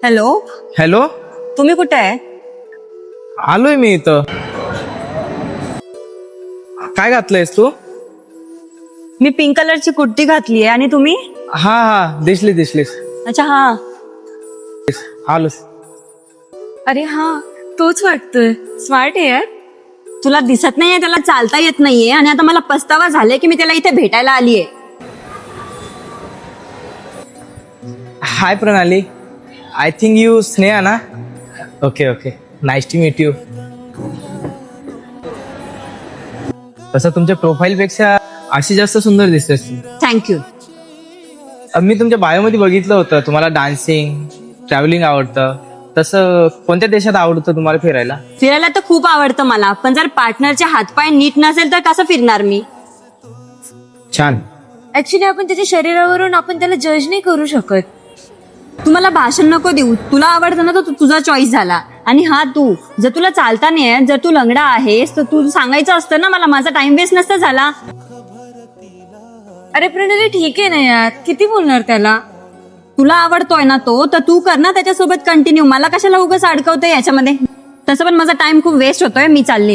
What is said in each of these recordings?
Hello. Hello. तुम्ही कुठे आहे? आलोय मी इथं. काय घातलंयस तू? मी पिंक कलरची कुर्ती घातली आहे. आणि तुम्ही? हा हा, दिसलीस. अच्छा, हा. आलोस. अरे हा, तोच वाटतोय. स्मार्ट आहे यार. तुला दिसत नाहीये, त्याला चालता येत नाहीये आणि आता मला पस्तावा झाले की मी त्याला इथे भेटायला आलीये. हाय प्रणाली. आय थिंक यू स्नेहा ना? Okay nice to meet you. तसं तुमच्या प्रोफाईल पेक्षा अशी जास्त सुंदर दिसतेस. थँक्यू. मी तुमच्या बायोमध्ये बघितलं होतं तुम्हाला डान्सिंग, ट्रॅव्हलिंग आवडतं. तसं कोणत्या देशात आवडतं तुम्हाला फिरायला? फिरायला तर खूप आवडतं मला, पण जर पार्टनरचे हातपाय नीट नसेल तर कसं फिरणार मी? छान. ऍक्च्युली आपण त्याच्या शरीरावरून आपण त्याला जज नाही करू शकत. तुम्हाला भाषण नको देऊ. तुला आवडतं ना, तर तुझा चॉईस झाला. आणि हा, तू जर तुला चालता नाही, जर तू लंगडा आहेस तर तू सांगायचं असतं ना मला. माझा टाइम वेस्ट नसता झाला. अरे प्रणाली, ठीक आहे ना यार, किती बोलणार त्याला? तुला आवडतोय ना तो, तर तू कर ना त्याच्यासोबत कंटिन्यू. मला कशाला उगाच अडकवतोय याच्यामध्ये? तसं पण माझा टाइम खूप वेस्ट होतोय. मी चाललीये.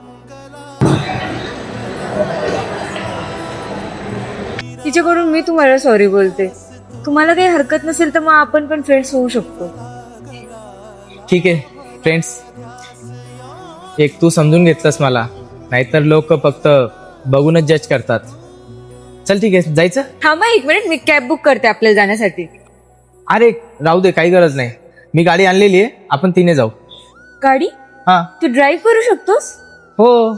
तिच्याकडून मी तुम्हाला सॉरी बोलते. तुम्हाला काही हरकत नसेल तर मग आपण पण फ्रेंड्स होऊ शकतो. ठीक आहे फ्रेंड्स. एक तू समजून घेतलंस मला, नाहीतर लोक फक्त बघूनच जज करतात. चल ठीक आहे, जायचं? थांबा एक मिनिट, मी कॅब बुक करते आपल्याला जाण्यासाठी. अरे राहू दे, काही गरज नाही. मी गाडी आणलेली आहे, आपण तिने जाऊ. गाडी? हा. तू ड्राईव्ह करू शकतोस? हो.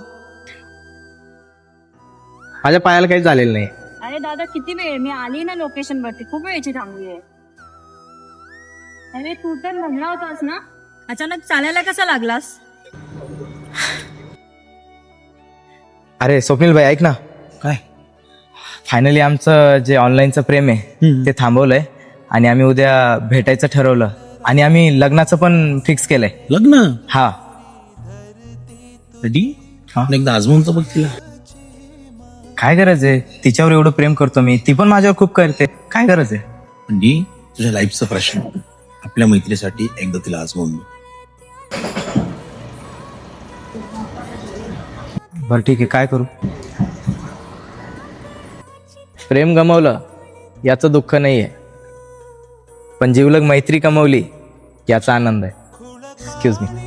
माझ्या पायाला काही झालेलं नाही. अरे दादा, किती वेळ? मी आली ना लोकेशन वरती, खूप वेळची थांबली आहे. अरे तू तर म्हणला होतास ना, अचानक चालायला कसा लागलास? अरे स्वप्नील भाई, ऐक ना. काय? फायनली आमचं जे ऑनलाईनचं प्रेम आहे ते थांबवलंय आणि आम्ही उद्या भेटायचं ठरवलं आणि आम्ही लग्नाचं पण फिक्स केलंय. लग्न? हा. रेडी? एकदा आजमून तर बघ तिला. काय गरज आहे? तिच्यावर एवढं प्रेम करतो मी, ती पण माझ्यावर खूप करते. काय गरज आहे? म्हणजे तुझ्या लाईफचा प्रश्न, आपल्या मैत्रीसाठी एकदा तिला आजमून बघ. बरं ठीक आहे, काय करू? प्रेम गमावलं याचं दुःख नाहीये, पण जीवलग मैत्री कमावली याचा आनंद आहे. एक्सक्यूज मी.